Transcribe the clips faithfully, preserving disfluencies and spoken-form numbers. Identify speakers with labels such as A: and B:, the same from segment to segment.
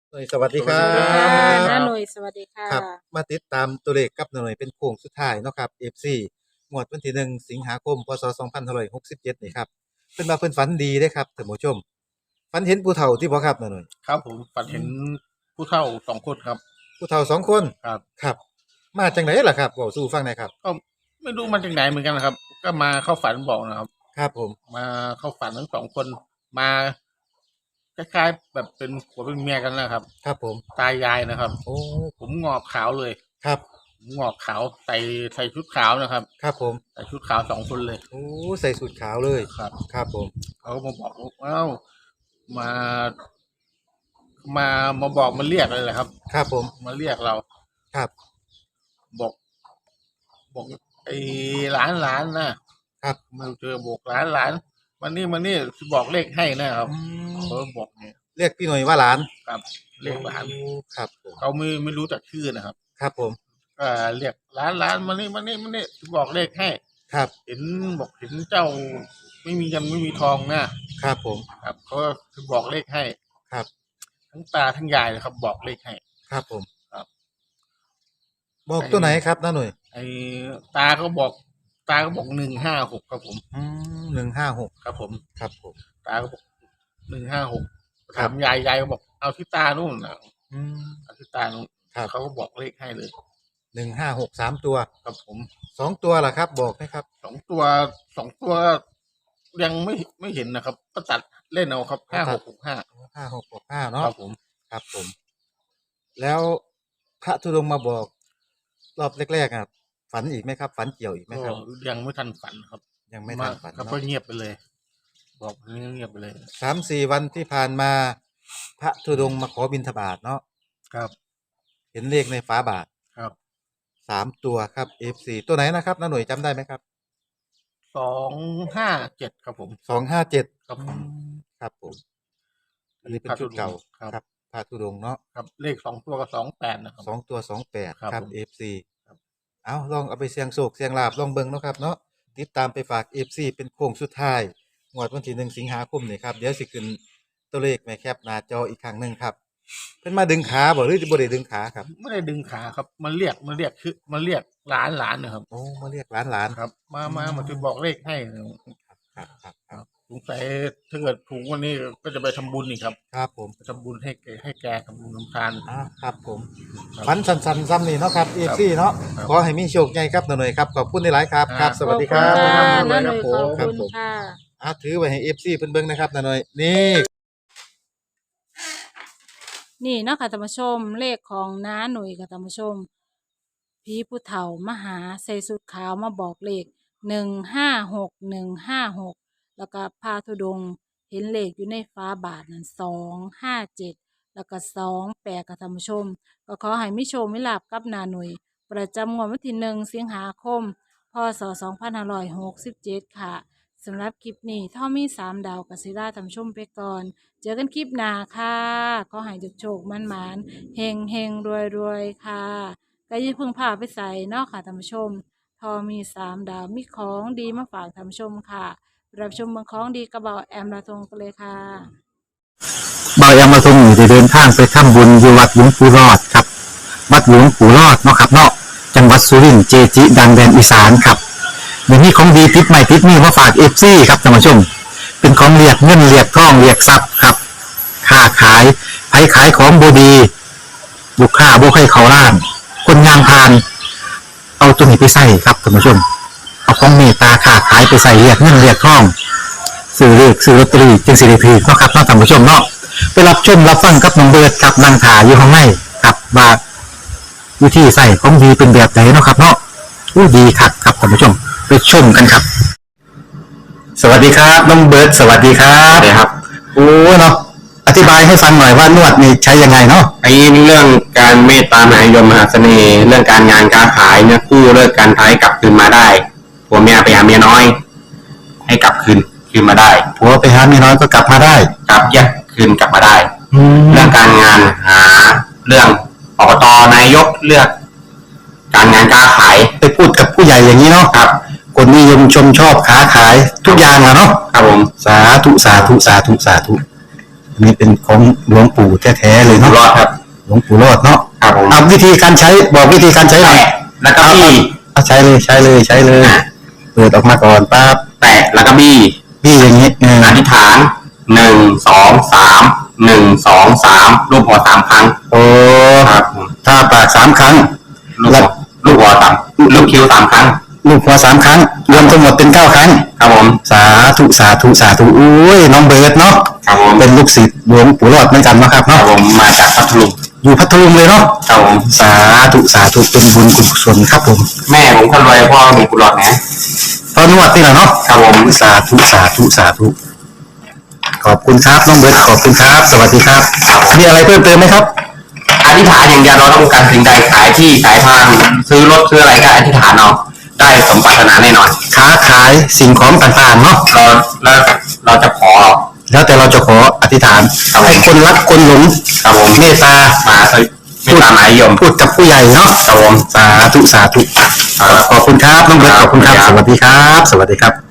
A: หน่วยสวัสดีครั
B: สวัสดีครับ
C: ค่ะ
B: สวัสดีค
A: บ
C: น้า
B: รับ
C: หน่ยสวัสดีค่ะ
A: ครับมาติดตามตัวเลขกับหน่วยเป็นโค้งสุดท้ายเนาะครับ เอฟ ซี งวดวันที่หนึ่งสิงหาคมพศสองพันห้าร้อยหกสิบเจ็ดนี่ครับเพิ่นว่าเพิ่นฝันดีเด้ครับท่านผู้ชมฝันเห็นผู้เฒ่าที่บ่ครับน้าหน่อย
B: ครับผมฝันเห็นผู้เฒ่าสองคนครับ
A: ผู้เฒ่าสองคน
B: ครับ
A: ครับมาจังไดล่ะครับเว้าสู่ฟังหน่อยครับ
B: ก็ไม่รู้มาจากไหนเหมือนกันนะครับก็มาเข้าฝันบอกนะครับ
A: ครับผม
B: มาเข้าฝันทั้งสองคนมาคล้ายๆแบบเป็นผัวเป็นเมียกันนะครับ
A: ครับผม
B: ตายายนะครับ
A: โอ้
B: ผมงอกขาวเลย
A: ครับ
B: ผมงอกขาวใส่ใส่ชุดขาวนะครับ
A: ครับผม
B: ใส่ชุดขาวสองคนเลย
A: โอ้ใส่สูทขาวเลย
B: ครับ
A: ครับผม
B: เขาก็มาบอกว่าเอ้ามามามาบอกมาเรียกเลยแหละครับ
A: ครับผม
B: มาเรียกเรา
A: ครับ
B: บอกบอกไอ้หลานหลานนะครับ มาเจอบอกหลานหลานวันนี้วันนี้บอกเลขให้นะครับ
A: อืม
B: เขาบอกเนี่ย
A: เรียกพี่หน่อยว่าหลาน
B: ครับเลขหลาน
A: โอ้ครับผม
B: เขาไม่ไม่รู้จักชื่อนะครับ
A: ครับผม
B: ก็เรียกหลานหลานมานี่มานี่มานี่บอกเลขให้
A: ครับ
B: เห็นบอกเห็นเจ้าไม่มีเงินไม่มีทองนะครับ
A: ผม
B: ครับเขาก็บอกเลขให้
A: ครับ
B: ทั้งตาทั้งยายเลยครับ บอกเลขให้
A: ครับผม
B: ครับ
A: บอก
B: ไอ้
A: ตัวไหนครับน้าหน่อย
B: ไอ้ตาก็บอก ตาก็บอกหนึ่งห้าหกครับผม
A: อืมหนึ่งห้าหก
B: ครับผม
A: ครับผม
B: ตาก็บอกหนึ่งห้าหก
A: ครั
B: ถา
A: บ
B: มยายยายก็บอกเอาที่ตานู่นนะ
A: อืม
B: เอาที่ตานู่น
A: ครับ
B: เขาก็บอกเลขให้เลย
A: หนึ่งห้าหกสามตัว
B: ครับผม
A: สองตัวล่ะครับบอกไหมครับ
B: สองตัวสองตัวยังไม่ไม่เห็นนะครับก็ตัดเล่นเอาครับห้าหกหกห้า
A: ห้าหกหกห้า
B: ค
A: เนาะ
B: รับผม
A: ครับผมแล้วพระธุดงค์มาบอกรอบแรกๆอ่ะฝันอีกไหมครับฝันเกี่ยวอีกไหม
B: ก็
A: ครับ
B: ยังไม่ทันฝันครับ
A: ยังไม่
B: มา
A: ทันฝัน
B: ครับก็
A: เนาะ
B: เงียบไปเลย บอกเงียบไปเลย
A: สามสี่วันที่ผ่านมาพระธุดงค์มาขอบิณฑบาตเนาะ
B: ครับ
A: เห็นเลขในฝาบาท
B: ครับ
A: สามตัวครับ เอฟ ซี ตัวไหนนะครับน้าหน่วยจำได้ไหมครับ
B: สองห้าเจ็ดครับผม
A: สองห้าเจ็ด
B: ครับผม
A: ครับผมอันนี้เป็นชุดเก่าครับพระธุดงค์เนาะ
B: ครับเลขสองตัวกับสองแปดนะครับ
A: สองตัวสองแปด
B: ครับ
A: ครับ
B: ผม
A: เอฟ ซี เอาลองเอาไปเสี่ยงโชคเสี่ยงลาบลองเบิ่งเนาะครับเนาะติดตามไปฝาก เอฟ ซี เป็นโค้งสุดท้ายงวดวันที่หนึ่งสิงหาคมนี่ครับเดี๋ยวสิขึ้นตัวเลขแม่แคปหน้าจออีกครั้งหนึงครับเพิ่นมาดึงขาบ่หรือบ่ได้ดึงขาครับ
B: ไม่ได้ดึงขาครับมันเรียกมันเรียกคือมันเรียกหลานหลานนะครับ
A: โอ้มาเรียกหลาน
B: ครับ มา
A: ๆอื
B: มามาจะบอกเลขให้
A: ครับครับค
B: ค
A: รับ
B: รับสงสัยถ้าเกิดถูกวันนี้ก็จะไปทำบุญอีกครับ
A: ครับผม
B: ไปทำบุญให้แกให้แกทำบุญทำทาน
A: อ่าครับผม
B: ครับ
A: ฝันสั้นๆซ้ำนี่เนาะครับ
B: ครับ
A: เอฟ ซี เนาะ
B: ครับ
A: ขอให้มีโชคใหญ่ครับหน่อยๆครับขอบคุณหลายๆครับครับ สวัสดีครั
C: ขอบคุณค่ะ
A: บ
C: น้าหน่ยขอบ
A: ครั
C: คุณ
A: บผม
C: ค่ะ
A: อ่ะถือไว้ให้ เอฟ ซี เพิ่นเบิ่งนะครับหน่อยๆนี่
C: นี่เนาะค่ะท่านผู้ชมเลขของน้าหน่ยค่ะท่านผู้ชมผีผู้เฒ่ามาหาใส่สุดขาวมาบอกเลขหนึ่งห้าหกหนึ่งห้าหกแล้วก็พาธุดงค์เห็นเลขอยู่ในฟ้าบาทนั่นสองห้าเจ็ดแล้วก็สองแปดค่ะท่านผู้ชมก็ขอให้มิโชคมิลาบกับนาหน่ยประจำงวดวันที่หนึ่งสิงหาคมพศสองพันห้าร้อยหกสิบเจ็ดค่ะสำหรับคลิปนี้ถ้ามีสามดาวกัสิราท่านผู้ชมไปก่อน เจอกันคลิปหน้าค่ะก็ให้จุกโชคมันหมานเฮงเฮงรวยรวยค่ะก็อยิ่าเพึ่งพาไปใส่เนอกค่ะท่านผู้ชม ทอมีสามดาวมีของดีมาฝากท่านผู้ชมค่ะ รับชมเมืองของดีกระเบาแอมลาทงกันเลยค่ะ
D: บายามาทรงอยู่ได้เดินทางไปทำบุญอยู่วัดหลวงปู่รอดครับวัดหลวงปู่รอดเนาะครับเนาะจังหวัดสุรินทร์เจจิ ดังแดนอีสานครับเดี๋ยวนี้ของดีติดใหม่ติดนี่มาฝากเอฟซีครับท่านผู้ชมเป็นของเรียกเงินเรียกทองเรียกทรัพย์ครับค้าขายไผขายของบดีลูกค้าบุคคลเขาล้าน คนงานพาน เอาตัวนี้ไปใส่ครับท่านผู้ชมเอาของเมตตาค้าขายไปใส่เรียกเงินเรียกทองซื้อเลือกซื้อลอตเตอรี่จึงสิริพีเนาะครับเนาะท่านผู้ชมเนาะไปรับชมรับฟังกับน้องเบิร์ดกับนางถาอยู่ข้างในกับว่าวิธีใส่ของดีเป็นแบบไหนเนาะครับเนาะอู้ดีครับครับท่านผู้ชมไปชมกันครับสวัสดีครับน้องเบิร์ดสวัสดีครับสวัสดีครับโอ้เนาะอธิบายให้ฟังหน่อยว่านวดนี่ใช้ยังไงเนาะ
E: ไอ้เรื่องการเมตตามหานิยมมหาเสน่ห์เรื่องการงานการขายเนี่ยกู้เลิกการท้ายกลับคืนมาได้ผัวเมียไปหาเมียน้อย ให้กลับคืนคืนมาได้
D: ผัวไปหาเมียน้อยก็กลับมาได้
E: กลับแยกคืนกลับมาได้
D: แล้
E: เรื่
D: ว
E: องการงานหาเรื่องอบตนายกเลือก การงานการขาย
D: ไปพูดกับผู้ใหญ่อย่างนี้เนาะ
E: ครับ
D: คนนิยมชมชอบค้าขายทุกอย่างอะเนาะ
E: ครับผม
D: สาธุสาธุสาธุสาธุอันนี้เป็นของหลวงปู่แท้ๆเลย
E: อยู่
D: เนาะ
E: รอดครับ
D: หลวงปู่รอดเนาะ
E: ครับผม
D: เอาวิธีการใช้บอกวิธีการใช้หน่อย
E: แตะแล้วก็บี้
D: เอาใช้เลยใช้เลยใช้เลยเปิดออกมาก่อนปั๊บ
E: แตะแล้วก็บี้
D: พี่อย่างนี้เออ
E: อธิษฐานหนึ่งสองสามหนึ่งสองสามรูปหัวสามครั้ง
D: โอ้
E: ครับผม
D: ถ้าปากสามครั้ง
E: ลูกหัวลูกหัวสามลูกคิ้วสามครั้ง
D: ลูกหัวสามครั้ง รวมทั้งหมดเป็นเก้าครั้ง
E: ครับผม
D: สาธุสาธุสาธุอุ้ยน้องเบิร์ดเนาะ
E: ครับผม
D: เป็นลูกศิษย์หลวงปู่รอดเหมือนกันเนาะครับ
E: ครับ
D: เนาะ
E: ผมมาจากพัทลุง
D: อยู่พัทลุงเลยเนาะ
E: ครับผม
D: สาธุสาธุเป็นบุญกุศลครับผม
E: แม่ผมคนรวยพ่อผมกุหลาบนะ
D: ตอนนวดนี่แหละเนาะ
E: ครับผม
D: สาธุสาธุสาธุขอบคุณครับน้องเบิร์ดขอบคุณครับ สวัสดีครับมีอะไรเพิ่มเติมไหมครับ
E: อธิษฐานอย่างเดียวเราต้องการสิ่งใดขายที่ขายทางซื้อรถซื้ออะไรก็อธิษฐานเอาได้สมปรารถนาแน่นอน
D: ค้าขายสิ่งของต่างๆเนาะ
E: เราเราเราจะขอ
D: แล้วแต่เราจะขออธิษฐานให้คนรักคนหลง
E: ครับผม
D: เมตตา
E: มาไม่ตามหมายยม
D: พูดกับผู้ใหญ่เนาะ
E: ครับผม
D: สาธุสาธุขอบคุณครับน้องเบิร์ตขอบคุณครับ สวัสดีครับ สวัสดีครับ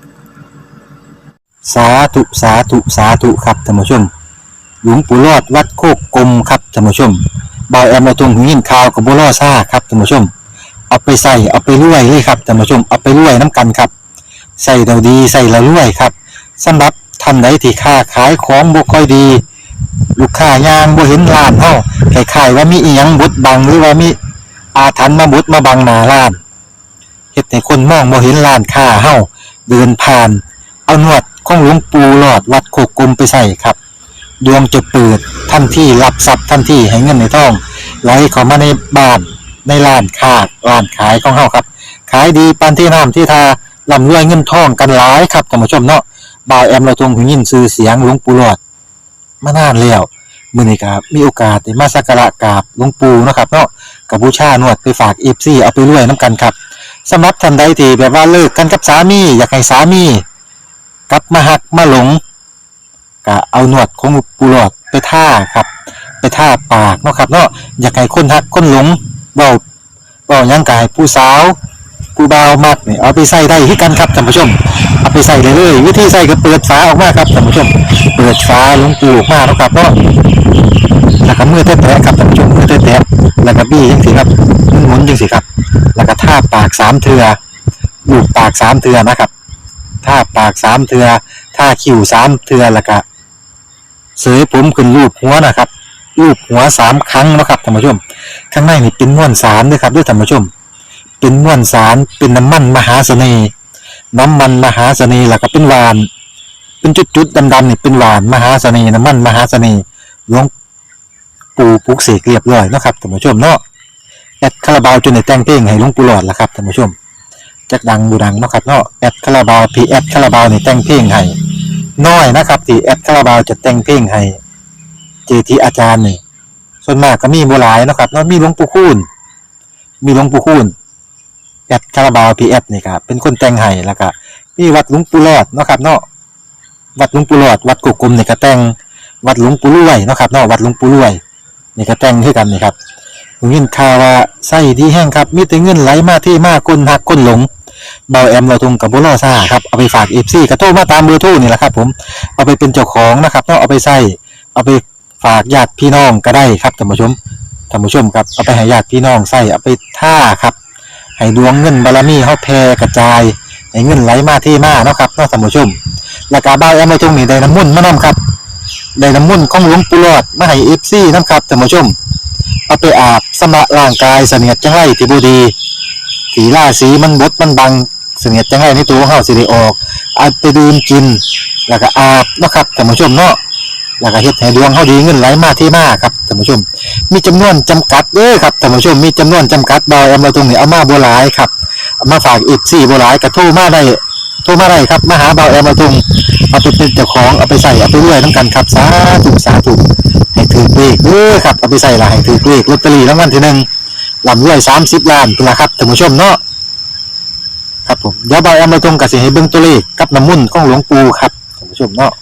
D: สาธุสาธุสาธุครับท่านผู้ชม หลวงปู่รอดวัดโคกกลมครับท่านผู้ชมบอยแอมมาตรงหูยินข่าวกับบัวล่อซ่าครับท่านผู้ชม เอาไปใส่เอาไปรวยเลยครับท่านผู้ชมเอาไปรวยน้ำกันครับใส่เราดีใส่เรารวยครับสำหรับท่านใดที่ค้าขายของบ่ค่อยดี ลูกค้ายางบ่เห็นร้านเฮาคล้ายๆว่ามีอีหยังบดบังหรือว่ามีอาถรรพ์มาบดมาบังหน้าร้านเฮ็ดให้คนมองบ่เห็นร้านค้าเฮาเดินผ่านเอาหนวดของหลวงปู่หลอดวัดโคกกลมไปใส่ครับดวงจะเปิดทันทีรับทรัพย์ทันทีให้เงินในท้องไหลเข้ามาในบ้านในร้านค้าร้านขายของเฮาครับขายดีปานที่น้ำที่ทาร่ำรวยเงินทองกันหลายครับท่านผู้ชมเนาะบ่าวแอมเราทรงหูยินชื่อเสียงหลวงปู่หลอดมานานแล้วมื้อนี้ครับมีโอกาสได้มาสักการะกราบหลวงปู่เนาะครับเนาะกับบูชาหนวดไปฝาก เอฟ ซี เอาไปรวยนํกันครับสำหรับท่านใดที่แบบว่าเลิกกันกับสามีอยากให้สามีกลับมาหักมาหลงก็เอาหนวดของหลวงปู่หลอดไปท่าครับไปท่าปากเนาะครับเนาะอยากให้คนหักคนหลงเว้าเว้าหยังก็ให้ผู้สาวผู้บ่าวมักนี่เอาไปใส่ได้คือกันครับท่านผู้ชมเอาไปใส่เลยเลยวิธีใส่ก็เปิดฝาออกมาครับท่านผู้ชมเปิดฝาหลวงปู่ออกมาเนาะครับเนาะแล้วก็มือแตะๆครับท่านผู้ชมมือแตะๆแล้วก็บี้จังซี่ครับหมุนๆจังซี่ครับแล้วก็ท่าปากสามเทื่อลูบปากสามเทื่อนะครับท่าปากสามเทื่อท่าคิ้วสามเทื่อแล้วก็เสยผมขึ้นรูปหัวนะครับรูปหัวสามครั้งนะครับท่านผู้ชมข้างในนี่เป็นม้วนสารด้วยครับด้วยท่านผู้ชมเป็นม้วนสารเป็นน้ำมันมหาเสน่ห์น้ำมันมหาเสน่ห์แล้วก็เป็นหวานเป็นจุดๆดำๆนี่เป็นหวานมหาเสน่ห์น้ำมันมหาเสน่ห์หลวงปู่ปลุกเสกเรียบร้อยเนาะครับท่านผู้ชมเนาะแอดคาราบาวจนได้แต่งเพลงให้หลวงปู่หลอดแล้วครับท่านผู้ชมจักดังบูดังเนาะครับเนาะแอดคาราบาวพีแอดคาราบาวนี่แต่งเพลงให้น้อยนะครับที่แอดคาราบาวจะแต่งเพลงให้เจทีอาจารย์นี่ส่วนมากก็มีบ่หลายเนาะครับเนาะมีหลวงปู่คูณมีหลวงปู่คูณแอดคาราบาวพีแอดนี่ครับเป็นคนแต่งให้แล้วก็มีวัดหลวงปู่หลอดเนาะครับเนาะวัดหลวงปู่หลอดวัดกุกกลมนี่ก็แต่งวัดหลวงปู่รวยเนาะครับเนาะวัดหลวงปู่รวยนี่ก็แต่งคือกันนี่ครับผมยินข่าวว่าไส้ดีแห้งครับมีแต่เงินไหลมาที่มาคนหักคนหลงเบาแอมเราทงกับบุรอซ่าครับเอาไปฝากเอฟซีกระโทรมาตามเบอร์โทรนี่แหละครับผมเอาไปเป็นเจ้าของนะครับเนาะเอาไปใส่เอาไปฝากญาติพี่น้องก็ได้ครับท่านผู้ชมท่านผู้ชมครับเอาไปให้ญาติพี่น้องใส่เอาไปท่าครับให้ดวงเงินบารมีเฮาแผ่กระจายให้เงินไหลมาที่มาเนาะครับเนาะท่านผู้ชมแล้วก็เบาแอมเราทงนี่ได้น้ำมุ่นต์มานํครับได้น้ำมุ่นต์ของหลวงปู่หลอดมาให้ เอฟ ซี นำครับท่านผู้ชมเอาไปอาบสมะร่างกายเสนียดจังไรที่บ่ดีสีราสีมันบดมันบังเสนียดจังไรในตัวของเฮาสิได้ออกเอาไปดื่มกินแล้วก็อาบเนาะครับท่านผู้ชมเนาะแล้วก็เฮ็ดให้ดวงเฮาดีเงินไหลมาที่มาครับท่านผู้ชมมีจำนวนจำกัดเด้อครับท่านผู้ชมมีจำนวนจำกัดบ่เอามาตรงนี้เอามาบ่หลายครับเอามาฝาก เอฟ ซี บ่หลายก็โทรมาได้โทรมาได้ครับมาหาเบาแอมมาตรงเอาไปเป็นเจ้าของเอาไปใส่เอาไปรวยนํกันครับสาธุสาธุให้ถือเลขเด้อครับเอาไปใส่ละให้ถือเลขลอตเตอรี่รางวัลที่หนึ่งลำรวยสามสิบล้านเป็นละครับท่านผู้ชมเนาะครับผมเดี๋ยวเบาแอมมาตรงกับสิให้เบิ่งตัวเลขกับน้ำมุ่นต์ของหลวงปู่ครับท่านผู้ชมเนาะ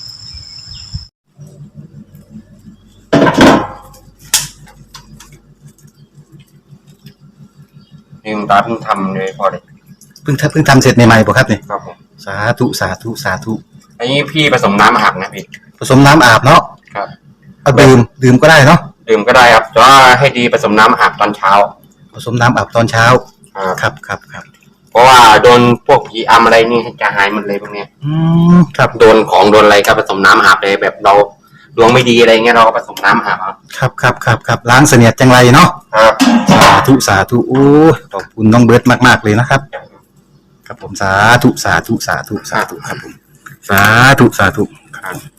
E: นี่คุณตาเพิ่งทำเลยพอเลย
D: เพิ่งเพิ่งทำเสร็จใหม่ๆป่ะครับเนี่ย
E: ครับผม
D: สาธุสาธุสาธุ
E: อันนี้พี่ผสมน้ำอาบนะพี่
D: ผสมน้ำอาบเนาะ
E: ครับ
D: เอาดื่มดื่มก็ได้เนาะ
E: ดื่มก็ได้ครับแต่ว่าให้ดีผสมน้ำอาบตอนเช้า
D: ผสมน้ำอาบตอนเช้า
E: ครับ
D: ครับครับครับ
E: เพราะว่าโดนพวกผีอำอะไรนี่จะหายหมดเลยพวกเนี้ย
D: อืมครับ
E: โดนของโดนอะไรก็ผสมน้ำอาบเลยแบบเราดวงไม่ดีอะไรเงี้ยเราก็ผสมน้ำอาบครับ
D: ครับครับครับครับล้างเสนียดจังไรเนาะ
E: ครับ
D: สาธุสาธุโอ้ยขอบคุณน้องเบิร์ตมากๆเลยนะครับครับผมสาธุสาธุสาธุสาธุครับผมสาธุสาธุ
E: ครับ